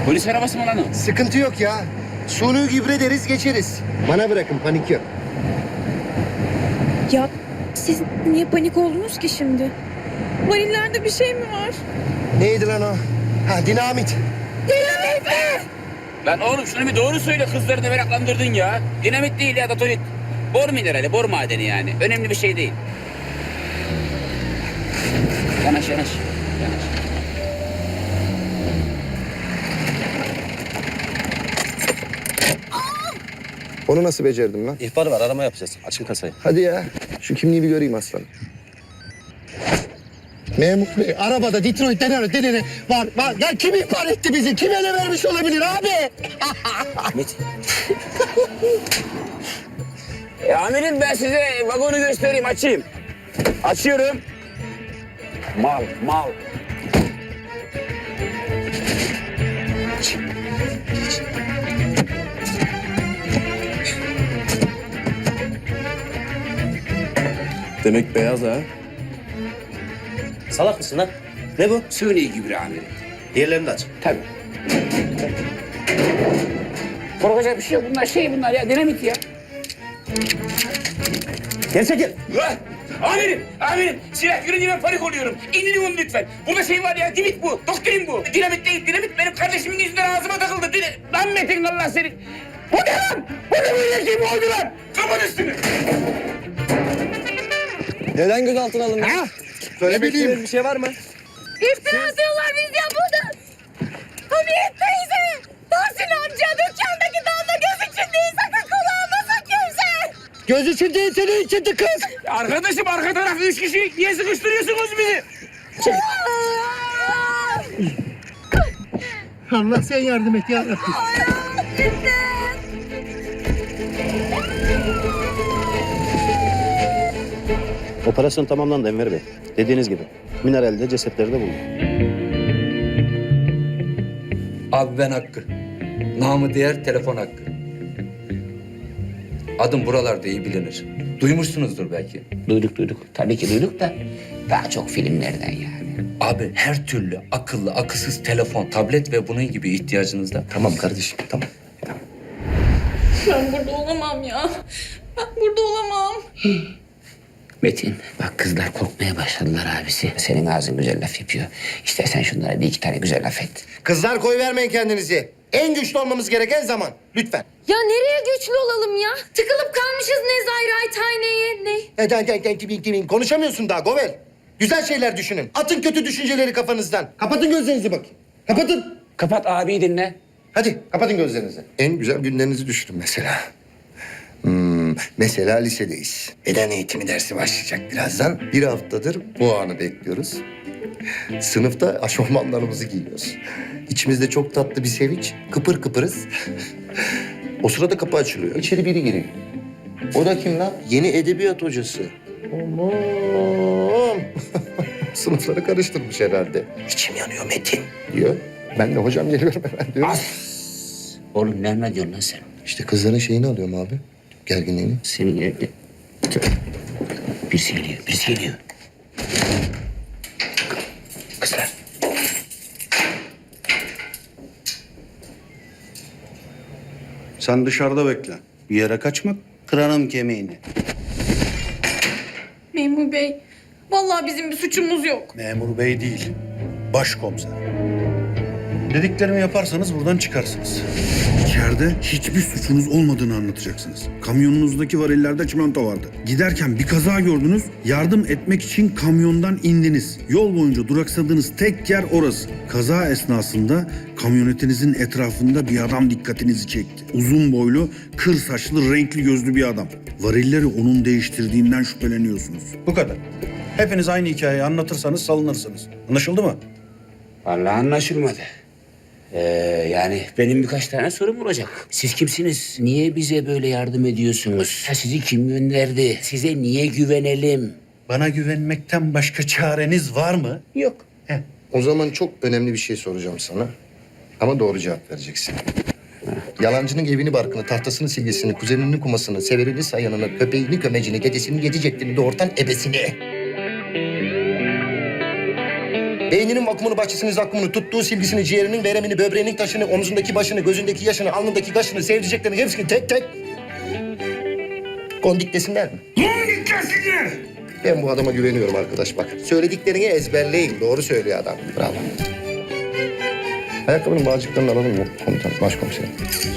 Polis arabası mı lan o? Sıkıntı yok ya. Suni gübre deriz geçeriz. Bana bırakın, panik yok. Ya siz niye panik oldunuz ki şimdi? Varillerde bir şey mi var? Neydi lan o? Ha, dinamit. Dinamit mi? Lan oğlum şunu bir doğru söyle, kızları da meraklandırdın ya. Dinamit değil ya, datorit. Bor minerali, bor madeni yani. Önemli bir şey değil. Yanaş yanaş. Yanaş. Onu nasıl becerdim lan? İhbar var, arama yapacağız. Açın kasayı. Hadi ya. Şu kimliği bir göreyim aslanım. Memur Bey, arabada Detroit denene var. Ya kim ihbar etti bizi? Kim ele vermiş olabilir abi? Metin. Amirim ben size vagonu göstereyim, açayım. Açıyorum. Mal, mal. Demek beyaz ha. Salak mısın lan? Ne bu? Suni gübre amirim. Diğerlerini de aç. Tabii. Korkacak bir şey yok. Bunlar ya, dinamit ya. Gel çekil. Amirim. Silah görünce ben panik oluyorum. İndirin onu lütfen. Burada şey var ya, dimit bu. Doktrin bu. Dinamit değil, dinamit benim kardeşimin yüzünden ağzıma takıldı. Lan Metin, Allah seni. Bu ne lan? Bu ne böyle şey mi oldu lan? Kapat üstünü. Neden gözaltına alındın? Ha? Söyle bileyim. Bir şey var mı? İftira atıyorlar biz ya burada. Hamiyet teyze. Tahsin amca dükkandaki damla göz için değil, sakın kulağıma kimse. Göz için değil, senin içindi kız. Arkadaşım, arka taraf 3 kişi. Niye sıkıştırıyorsunuz bizi? Allah sen yardım et ya Rabbim. Operasyon tamamlandı Enver Bey. Dediğiniz gibi. Mineralde cesetleri de bulduk. Abi ben Hakkı. Namı diğer telefon Hakkı. Adım buralarda iyi bilinir. Duymuşsunuzdur belki. Duyduk. Tabii ki duyduk da daha çok filmlerden yani. Abi her türlü akıllı, akılsız telefon, tablet ve bunun gibi ihtiyacınızda. Tamam kardeşim, tamam. Ben burada olamam ya. Ben burada olamam. Metin, bak kızlar korkmaya başladılar abisi. Senin ağzın güzel laf yapıyor. İstersen şunlara bir iki tane güzel laf et. Kızlar koy vermeyin kendinizi. En güçlü olmamız gereken zaman. Lütfen. Ya nereye güçlü olalım ya? Tıkılıp kalmışız Nezairathane'ye. Ne? Konuşamıyorsun daha Govel. Güzel şeyler düşünün. Atın kötü düşünceleri kafanızdan. Kapatın gözlerinizi bakayım. Kapatın. Kapat abiyi dinle. Hadi kapatın gözlerinizi. En güzel günlerinizi düşünün mesela. Mesela lisedeyiz. Beden eğitimi dersi başlayacak birazdan. Bir haftadır bu anı bekliyoruz. Sınıfta aşofmanlarımızı giyiyoruz. İçimizde çok tatlı bir sevinç. Kıpır kıpırız. O sırada kapı açılıyor. İçeri biri giriyor. O da kim lan? Yeni edebiyat hocası. Aman. Sınıfları karıştırmış herhalde. İçim yanıyor Metin diyor. Ben de hocam geliyorum hemen diyorum. Oğlum ne anlatıyorsun lan sen? İşte kızların şeyini alıyorum abi. Gerginliğini. Senin evde... Birisi geliyor. Kızlar. Sen dışarıda bekle. Bir yere kaçma, kırarım kemiğini. Memur bey, vallahi bizim bir suçumuz yok. Memur bey değil, başkomiser. Dediklerimi yaparsanız buradan çıkarsınız. İçeride hiçbir suçunuz olmadığını anlatacaksınız. Kamyonunuzdaki varillerde çimento vardı. Giderken bir kaza gördünüz, yardım etmek için kamyondan indiniz. Yol boyunca duraksadığınız tek yer orası. Kaza esnasında kamyonetinizin etrafında bir adam dikkatinizi çekti. Uzun boylu, kır saçlı, renkli gözlü bir adam. Varilleri onun değiştirdiğinden şüpheleniyorsunuz. Bu kadar. Hepiniz aynı hikayeyi anlatırsanız salınırsınız. Anlaşıldı mı? Vallahi anlaşılmadı. Yani benim birkaç tane sorum olacak. Siz kimsiniz? Niye bize böyle yardım ediyorsunuz? Sizi kim gönderdi? Size niye güvenelim? Bana güvenmekten başka çareniz var mı? Yok. O zaman çok önemli bir şey soracağım sana. Ama doğru cevap vereceksin. Yalancının evini barkını, tahtasını silgisini, kuzeninin kumasını, severini sayanını, köpeğini kömecini, dedesini yedi ceddini, doğurtan ebesini. Beyninin vakumunu, bahçesinin zakkumunu, tuttuğu silgisini, ciğerinin, veremini, böbreğinin taşını, omzundaki başını, gözündeki yaşını, alnındaki kaşını, sevdiceklerini hepsini tek tek kondik desinler mi? Kondik desinler. Ben bu adama güveniyorum arkadaş bak. Söylediklerini ezberleyin. Doğru söylüyor adam. Bravo. Ayakkabının bağcıklarını alalım mı komutan, başkomiserim?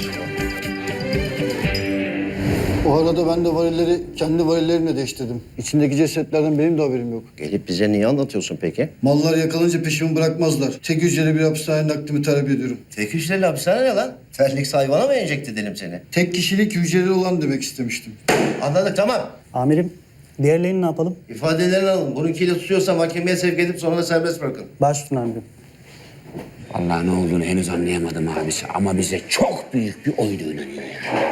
O arada ben de varilleri kendi varillerimle değiştirdim. İçindeki cesetlerden benim de haberim yok. Gelip bize niye anlatıyorsun peki? Mallar yakalanınca peşimi bırakmazlar. Tek hücreli bir hapishane naklimi talep ediyorum. Tek hücreli hapishane ne lan? Terlik hayvana mı enjekte edelim seni? Tek kişilik hücreli olan demek istemiştim. Anladık tamam. Amirim, diğerlerini ne yapalım? İfadelerini alın. Bununkiyle tutuyorsa mahkemeye sevk edip sonra da serbest bırakın. Baş üstüne amirim. Vallahi ne olduğunu henüz anlayamadım abisi ama bize çok büyük bir oydu inanıyor ya.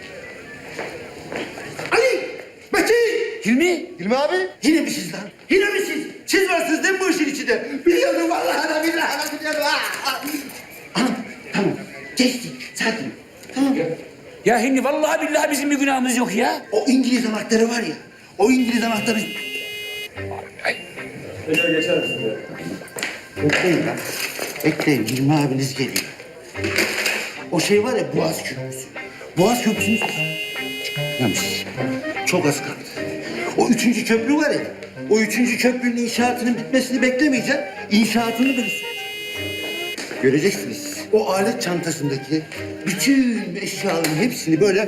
Ali! Metin! Hilmi? Hilmi abi? Yine mi siz lan? Yine mi siz? Siz varsınız değil mi bu işin içinde? Biliyordum vallahi da billahi da biliyordum. Anam tamam geçti sakin. Tamam. Ya Hilmi vallahi billahi bizim bir günahımız yok ya. O İngiliz anahtarı var ya. O İngiliz anahtarı... Ay. Bekleyin lan. Bekleyin Hilmi abiniz geliyor. O şey var ya Boğaz Köprüsü. Boğaz Köprüsü'nü çıkartmamış. Çok az kaldı. O 3. köprü var ya. O 3. köprünün inşaatının bitmesini beklemeyeceğim. İnşaatını da göreceksiniz. O alet çantasındaki bütün eşyaların hepsini böyle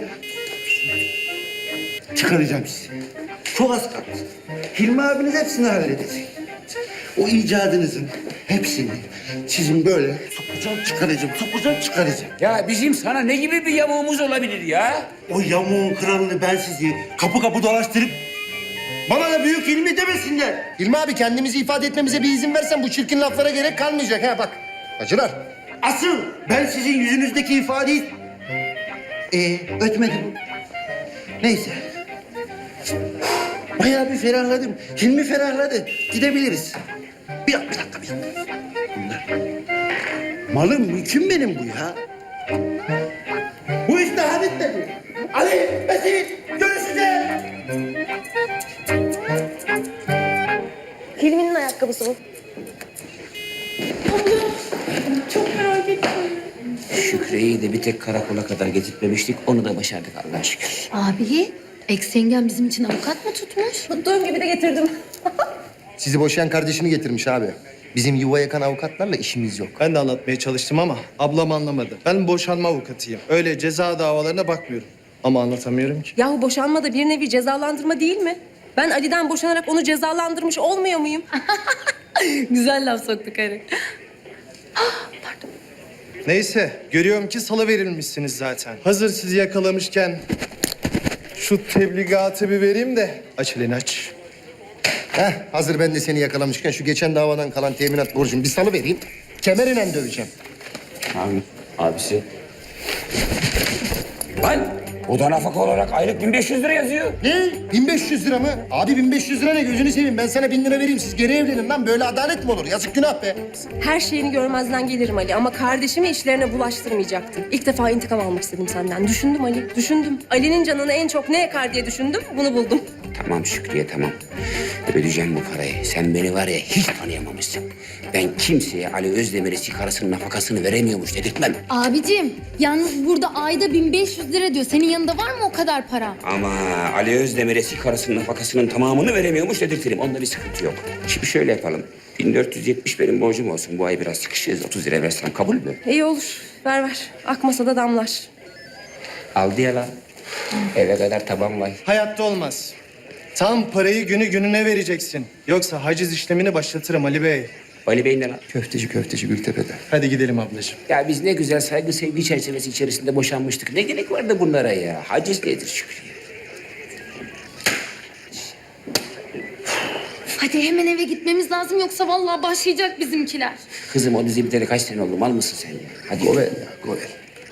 çıkaracağım size. Çok az kaldı. Hilmi abiniz hepsini halledecek. O icadınızın hepsini sizin böyle sokacağım, çıkaracağım. Ya bizim sana ne gibi bir yamuğumuz olabilir ya? O yamuğun kralını ben sizi kapı kapı dolaştırıp bana da büyük Hilmi demesinler. Hilmi abi kendimizi ifade etmemize bir izin versen bu çirkin laflara gerek kalmayacak ha bak. Acılar. Asıl ben sizin yüzünüzdeki ifadeyi ötmedim. Neyse. Bayağı bir ferahladım. Hilmi ferahladı. Gidebiliriz. Bir dakika. Bunlar. Malım mülküm benim bu ya. Bu iş daha bitmedi. Ali, Metin, görüşeceğiz. Hilmi'nin ayakkabısı bu. Şükre'yi de bir tek karakola kadar getirtmemiştik. Onu da başardık Allah'a şükür. Abi, ex-yengen bizim için avukat mı tutmuş? Tuttuğum gibi de getirdim. Sizi boşayan kardeşini getirmiş abi. Bizim yuva yakan avukatlarla işimiz yok. Ben de anlatmaya çalıştım ama ablam anlamadı. Ben boşanma avukatıyım. Öyle ceza davalarına bakmıyorum. Ama anlatamıyorum ki. Yahu boşanma da bir nevi cezalandırma değil mi? Ben Ali'den boşanarak onu cezalandırmış olmuyor muyum? Güzel laf soktu karı. Neyse, görüyorum ki salı verilmişsiniz zaten. Hazır sizi yakalamışken şu tebligatı bir vereyim de aç elini aç. Hazır ben de seni yakalamışken şu geçen davadan kalan teminat borcumu bir salı vereyim. Kemerinden döveceğim. Abi, abisi. Lan o da nafaka olarak aylık 1500 lira yazıyor. Ne? 1500 lira mı? Abi 1500 lira ne? Gözünü seveyim. Ben sana 1000 lira vereyim. Siz geri evlenin lan. Böyle adalet mi olur? Yazık günah be. Her şeyini görmezden gelirim Ali ama kardeşimi işlerine bulaştırmayacaktım. İlk defa intikam almak istedim senden. Düşündüm Ali, düşündüm. Ali'nin canını en çok ne yakar diye düşündüm, bunu buldum. Tamam Şükriye tamam. Ödeyeceğim bu parayı. Sen beni var ya hiç tanıyamamışsın. Ben kimseye Ali Özdemir'e sigarasının nafakasını veremiyormuş dedirtmem. Abicim, yalnız burada ayda 1500 lira diyor. Senin yanında var mı o kadar para? Ama Ali Özdemir'e sigarasının nafakasının tamamını veremiyormuş dedirtirim. Onda bir sıkıntı yok. Şimdi şöyle yapalım. 1470 benim borcum olsun. Bu ay biraz sıkışırız. 30 lira versem kabul mü? İyi olur, ver. Akmasa da damlar. Aldı ya lan. Eve kadar taban var. Hayatta olmaz. Tam parayı günü gününe vereceksin. Yoksa haciz işlemini başlatırım Ali Bey. Ali Bey ne lan? Köfteci Gültepe'de. Hadi gidelim ablacığım. Ya biz ne güzel saygı sevgi çerçevesi içerisinde boşanmıştık. Ne gerek vardı bunlara ya? Haciz nedir Şükriye? Hadi hemen eve gitmemiz lazım yoksa vallahi başlayacak bizimkiler. Kızım o dizi biteli kaç sene oldu? Mal mısın sen ya? Hadi Govel ya, govel.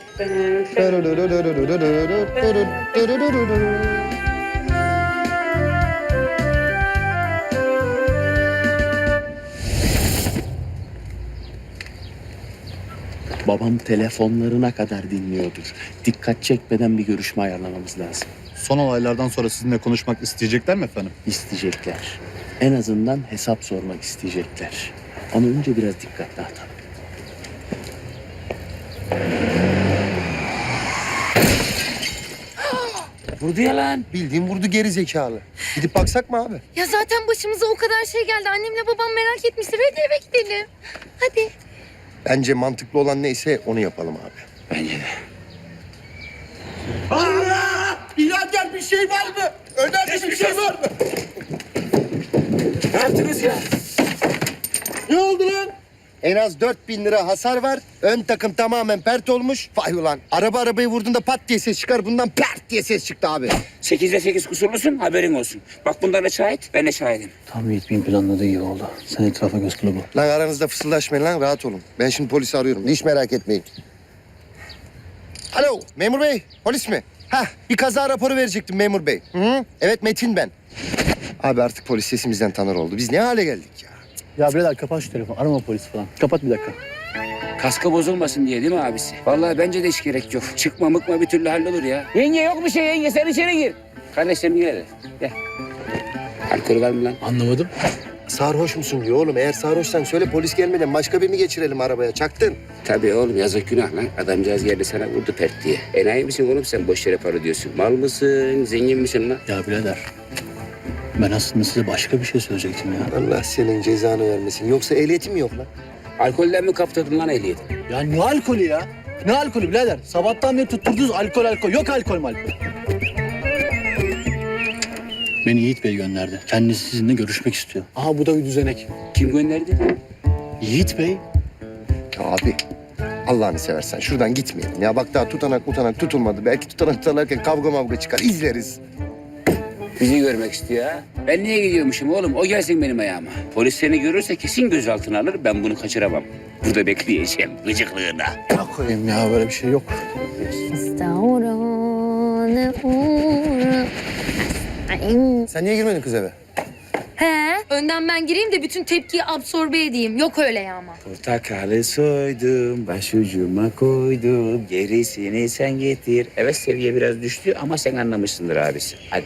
Babam telefonlarına kadar dinliyordur. Dikkat çekmeden bir görüşme ayarlamamız lazım. Son olaylardan sonra sizinle konuşmak isteyecekler mi efendim? İsteyecekler. En azından hesap sormak isteyecekler. Ama önce biraz dikkatli at. Vurdu ya lan. Bildiğin vurdu geri zekalı. Gidip baksak mı abi? Ya zaten başımıza o kadar şey geldi. Annemle babam merak etmiştir. Hadi eve gidelim. Hadi. Bence mantıklı olan neyse onu yapalım abi. Bence de. Allah! Birader bir şey var mı? Önemli bir şey var mı? Ne yaptınız ya? Ne oldu lan? En az 4.000 lira hasar var. Ön takım tamamen pert olmuş. Vay ulan. Arabayı vurduğunda pat diye ses çıkar. Bundan pert diye ses çıktı abi. 8'de 8 kusurlusun, haberin olsun. Bak bunlar da şahit, ben de şahidim. Tam Yiğit Bey'in planladığı gibi oldu. Sen etrafa göz kulağı ol. Lan aranızda fısıldaşmayın lan. Rahat olun. Ben şimdi polisi arıyorum. Hiç merak etmeyin. Alo memur bey. Polis mi? Hah bir kaza raporu verecektim memur bey. Hı? Evet Metin ben. Abi artık polis sesimizden tanır oldu. Biz ne hale geldik ya? Ya birader kapat şu telefonu. Arama polis falan. Kapat bir dakika. Kaska bozulmasın diye değil mi abisi? Vallahi bence de hiç gerek yok. Çıkma mıkma bir türlü hallolur ya. Yenge yok bir şey yenge, sen içeri gir. Kardeşlerim gel. Gel. Alkol var mı lan? Anlamadım. Sarhoş musun diyor oğlum. Eğer sarhoşsan söyle polis gelmeden başka birini geçirelim arabaya. Çaktın. Tabii oğlum yazık günah lan. Adamcağız geldi sana vurdu pert diye. Enayi misin oğlum sen boş yere para diyorsun. Mal mısın, zengin misin lan? Ya birader. Ben aslında size başka bir şey söyleyecektim ya. Allah senin cezanı vermesin. Yoksa ehliyetin mi yok lan? Alkolden mi kaptırdın lan ehliyeti? Ya ne alkolü ya? Ne alkolü birader? Sabahtan beri tutturdunuz alkol. Yok alkol malkol. Beni Yiğit Bey gönderdi. Kendisi sizinle görüşmek istiyor. Aha bu da bir düzenek. Kim gönderdi? Yiğit Bey. Ya abi Allah'ını seversen şuradan gitmeyelim. Ya bak daha tutanak tutulmadı. Belki tutanak tutarlarken kavga mavga çıkar. İzleriz. Bizi görmek istiyor ha. Ben niye gidiyormuşum oğlum? O gelsin benim ayağıma. Polis seni görürse kesin gözaltına alır. Ben bunu kaçıramam. Burada bekleyeceğim gıcıklığına. Ne koyayım ya böyle bir şey yok. Sen niye girmedin kız eve? He, önden ben gireyim de bütün tepkiyi absorbe edeyim. Yok öyle ya ama. Portakalı soydum, başucuma koydum. Gerisini sen getir. Evet seviye biraz düştü ama sen anlamışsındır abisi. Hadi.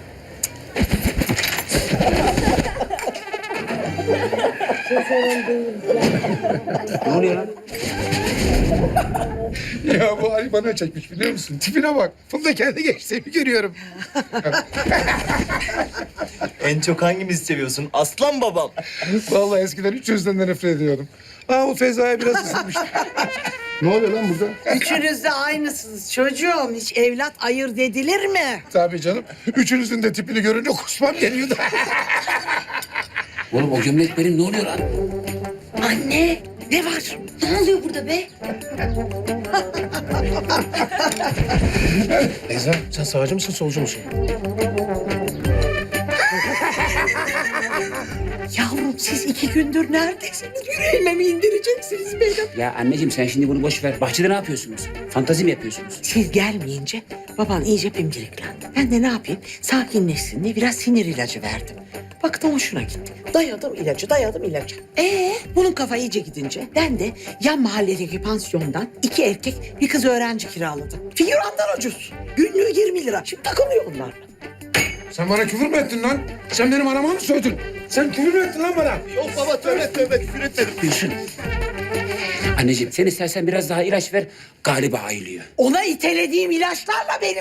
Ne oluyor lan? Ya bu Ali bana çekmiş biliyor musun? Tipine bak. Bunda kendi gençliğimi görüyorum. En çok hangimizi seviyorsun? Aslan babam. Vallahi eskiden üç yüzden de nefret ediyordum. Ama bu Feza'ya biraz ısınmıştım. Ne oluyor lan burada? Üçünüz de aynısınız çocuğum. Hiç evlat ayırt edilir mi? Tabii canım. Üçünüzün de tipini görünce kusmam geliyordu. Oğlum o gömlek benim ne oluyor lan? Anne, Ne var? ne oluyor burada be? Beyza sen sağcı mısın solcu musun? Yavrum siz 2 gündür neredesiniz? Yüreğime mi indireceksiniz beni? Ya anneciğim sen şimdi bunu boş ver. Bahçede ne yapıyorsunuz? Fantazi mi yapıyorsunuz? Siz gelmeyince baban iyice pimpiriklendi. Ben de ne yapayım? Sakinleşsin diye biraz sinir ilacı verdim. Baktım hoşuna gitti. Dayadım ilacı. Bunun kafa iyice gidince ben de yan mahalledeki pansiyondan 2 erkek bir kız öğrenci kiraladım. Figürandan ucuz. Günlüğü 20 lira. Şimdi takılıyor onlarla. Sen bana küfür mü ettin lan? Sen benim anama mı sövdün? Sen küfür mü ettin lan bana? Yok baba tövbe küfür etmedim. Gülsün. Anneciğim sen istersen biraz daha ilaç ver. Galiba ayılıyor. Ona itelediğim ilaçlarla benim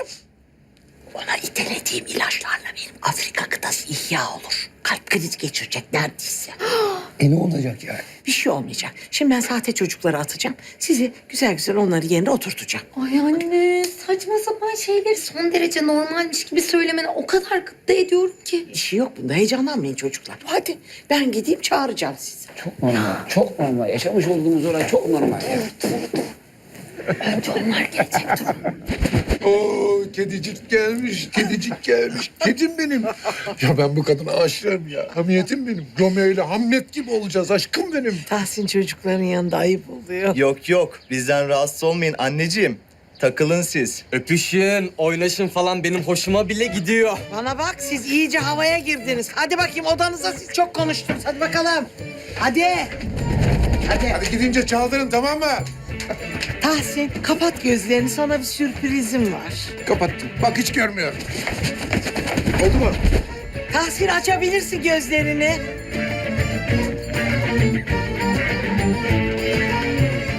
Afrika kıtası ihya olur. Kalp krizi geçirecek neredeyse. Ne olacak yani? Bir şey olmayacak. Şimdi ben sahte çocukları atacağım. Sizi güzel güzel onları yerine oturtacağım. Ay anne, saçma sapan şeyleri son derece normalmiş gibi söylemene o kadar gıpta ediyorum ki. Bir şey yok bunda. Heyecanlanmayın çocuklar. Hadi ben gideyim çağıracağım sizi. Çok normal, çok normal. Yaşamış olduğumuz olay çok normal. Ya. Önce onlar gelecek. Oo kedicik gelmiş. Kedim benim. Ya ben bu kadına aşığım ya. Hamiyetim benim. Romeo ile Hamlet gibi olacağız. Aşkım benim. Tahsin çocukların yanında ayıp oluyor. Yok bizden rahatsız olmayın anneciğim. Takılın siz. Öpüşün, oynaşın falan benim hoşuma bile gidiyor. Bana bak siz iyice havaya girdiniz. Hadi bakayım odanıza siz çok konuştunuz. Hadi bakalım. Hadi. Hadi gidince çaldırın tamam mı? Tahsin kapat gözlerini sana bir sürprizim var. Kapattım. Bak hiç görmüyorum. Oldu mu? Tahsin açabilirsin gözlerini.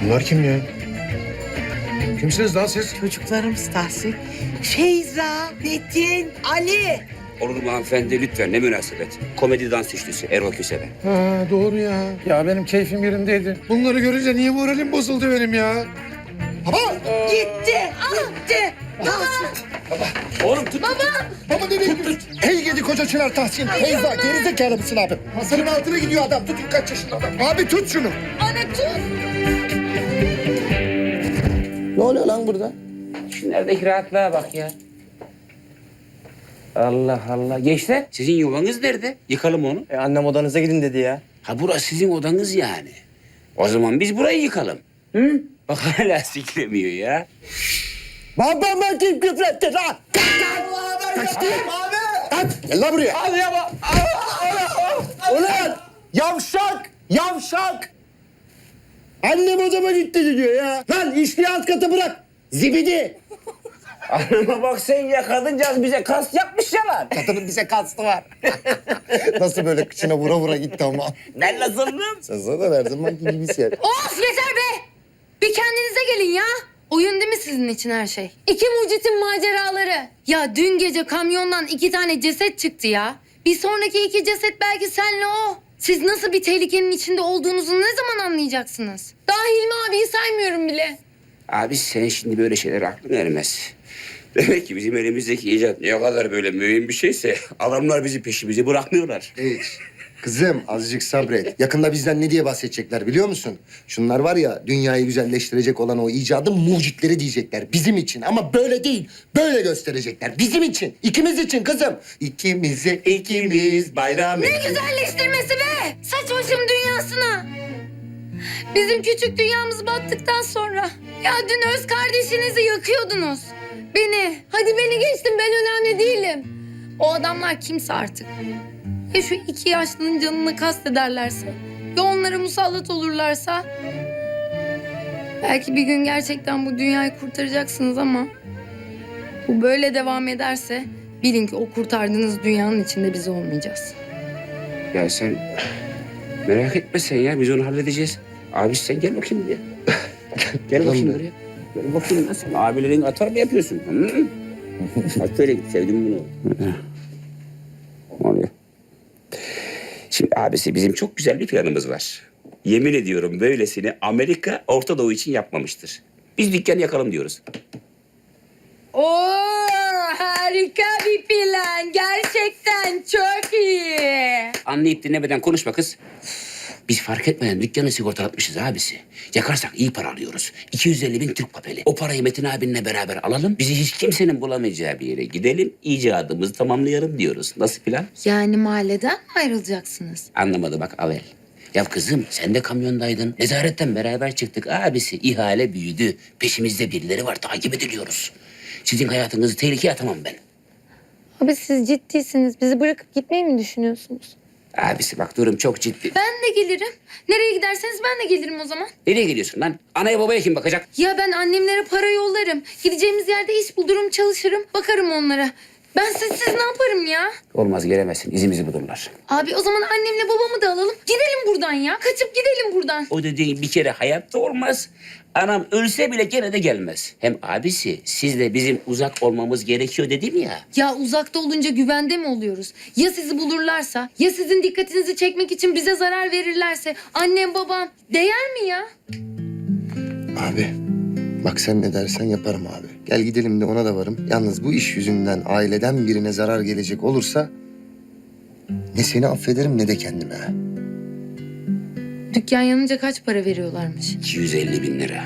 Bunlar kim ya? Kimsiniz lan siz? Çocuklarımız Tahsin. Feyza, Metin, Ali. Olur mu hanımefendi lütfen ne münasebet. Komedi dans üçlüsü Erol Köse'den. Ha doğru ya. Ya benim keyfim yerindeydi. Bunları görünce niye moralim bozuldu benim ya? Baba! Gitti, gitti. Oğlum tut. Baba nereye gidiyorsun? Hey gidi koca Çınar Tahsin. Feyza gerizekalı mısın abi? Masanın altına gidiyor adam. Tutun kaç yaşında adam. Abi tut şunu. Anne tut. Ne oluyor lan burada? Şunlardaki rahatlığa bak ya. Allah Allah. Gençler sizin yuvanız nerede? Yıkalım onu. Annem odanıza gidin dedi ya. Ha burası sizin odanız yani. O zaman biz burayı yıkalım. Hı? Bak hala siklemiyor ya. Babama kim küfretti lan? Kaçtı. Kaç. Gel lan buraya. Hadi ya bak. Ulan yavşak. Yavşak. Annem odama gitti diyor ya. Lan işliği alt kata bırak. Zibidi. Anama bak sen ya kadıncağız bize kas yapmış ya lan. Kadının bize kastı var. Nasıl böyle kıçına vura vura gitti ama. Ben nasıldım? Sen zaten her zamanki gibisin yani. Of yeter be! Bir kendinize gelin ya. Oyun değil mi sizin için her şey? İki mucitin maceraları. Ya dün gece kamyondan 2 tane ceset çıktı ya. Bir sonraki 2 ceset belki senle o. Siz nasıl bir tehlikenin içinde olduğunuzu ne zaman anlayacaksınız? Daha Hilmi abiyi saymıyorum bile. Abi sen şimdi böyle şeyler aklın ermez. Demek ki bizim elimizdeki icat ne kadar böyle mühim bir şeyse adamlar bizi peşimizi bırakmıyorlar. Evet. Kızım azıcık sabret. Yakında bizden ne diye bahsedecekler biliyor musun? Şunlar var ya dünyayı güzelleştirecek olan o icadın mucitleri diyecekler. Bizim için ama böyle değil. Böyle gösterecekler. Bizim için. İkimiz için kızım. İkimize ikimiz bayram. Ne güzelleştirmesi be! Saç başım dünyasına. Bizim küçük dünyamız battıktan sonra. Ya dün öz kardeşinizi yakıyordunuz. Beni, hadi beni geçtim ben önemli değilim. O adamlar kimse artık. Ya şu 2 yaşlının canını kastederlerse, ya onlara musallat olurlarsa... Belki bir gün gerçekten bu dünyayı kurtaracaksınız ama... Bu böyle devam ederse bilin ki o kurtardığınız dünyanın içinde biz olmayacağız. Ya sen merak etme sen ya biz onu halledeceğiz. Abi sen gel bakayım buraya. Gel bakayım buraya. Gel bakayım nasıl? Abilerin atar mı yapıyorsun? Hı? Bak şöyle git sevdim bunu. Ne oluyor? Şimdi abisi bizim çok güzel bir planımız var. Yemin ediyorum böylesini Amerika Orta Doğu için yapmamıştır. Biz dükkan yakalım diyoruz. Oo, harika bir plan. Gerçekten çok iyi. Anlayıp dinlemeden konuşma kız. Biz fark etmeden dükkanı sigortalatmışız abisi. Yakarsak iyi para alıyoruz. 250.000 Türk papeli. O parayı Metin abinle beraber alalım. Bizi hiç kimsenin bulamayacağı bir yere gidelim. İcadımızı tamamlayalım diyoruz. Nasıl plan? Yani mahalleden mi ayrılacaksınız? Anlamadı bak Avel. Ya kızım sen de kamyondaydın. Nezaretten beraber çıktık. Abisi ihale büyüdü. Peşimizde birileri var. Takip ediliyoruz. Sizin hayatınızı tehlikeye atamam ben. Abi siz ciddisiniz. Bizi bırakıp gitmeyi mi düşünüyorsunuz? Abisi bak durum çok ciddi. Ben de gelirim. Nereye giderseniz ben de gelirim o zaman. Nereye gidiyorsun lan? Anaya babaya kim bakacak? Ya ben annemlere para yollarım. Gideceğimiz yerde iş bulurum, çalışırım. Bakarım onlara. Ben sizsiz ne yaparım ya? Olmaz gelemezsin. İzimizi bulurlar. Abi o zaman annemle babamı da alalım. Gidelim buradan ya. Kaçıp gidelim buradan. O dediğin bir kere hayatta olmaz. Anam ölse bile gene de gelmez. Hem abisi sizle bizim uzak olmamız gerekiyor dedim ya. Ya uzakta olunca güvende mi oluyoruz? Ya sizi bulurlarsa? Ya sizin dikkatinizi çekmek için bize zarar verirlerse? Annem babam değer mi ya? Abi bak sen ne dersen yaparım abi. Gel gidelim de ona da varım. Yalnız bu iş yüzünden aileden birine zarar gelecek olursa... ...ne seni affederim ne de kendime. Dükkan yanınca kaç para veriyorlarmış? 250.000 lira.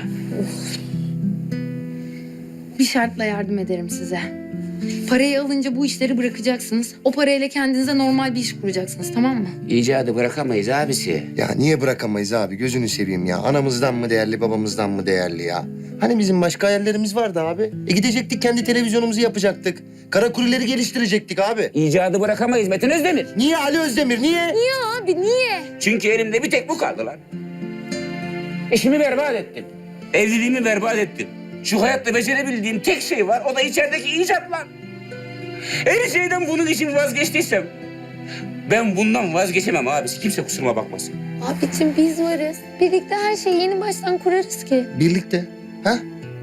Bir şartla yardım ederim size. Parayı alınca bu işleri bırakacaksınız. O parayla kendinize normal bir iş kuracaksınız, tamam mı? İcadı bırakamayız abisi. Ya niye bırakamayız abi? Gözünü seveyim ya. Anamızdan mı değerli, babamızdan mı değerli ya? Hani bizim başka hayallerimiz vardı abi. Gidecektik kendi televizyonumuzu yapacaktık. Kara kurileri geliştirecektik abi. İcadı bırakamayız Metin Özdemir. Niye Ali Özdemir, niye? Niye abi, niye? Çünkü elimde bir tek bu kaldı lan. İşimi berbat ettim. Evliliğimi berbat ettim. Şu hayatta becerebildiğim tek şey var. O da içerideki icat lan. Her şeyden bunun için vazgeçtiysem... Ben bundan vazgeçemem abisi. Kimse kusuruma bakmasın. Abicim biz varız. Birlikte her şeyi yeni baştan kurarız ki. Birlikte. Ha?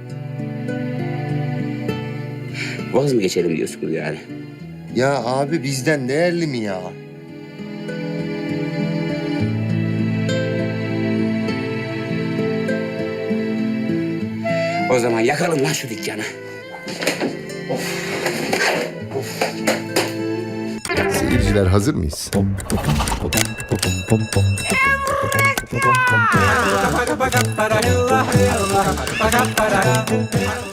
Vaz mı geçelim diyorsunuz yani? Ya abi bizden değerli mi ya? O zaman yakalım lan şu dükkanı. Seyirciler hazır mıyız?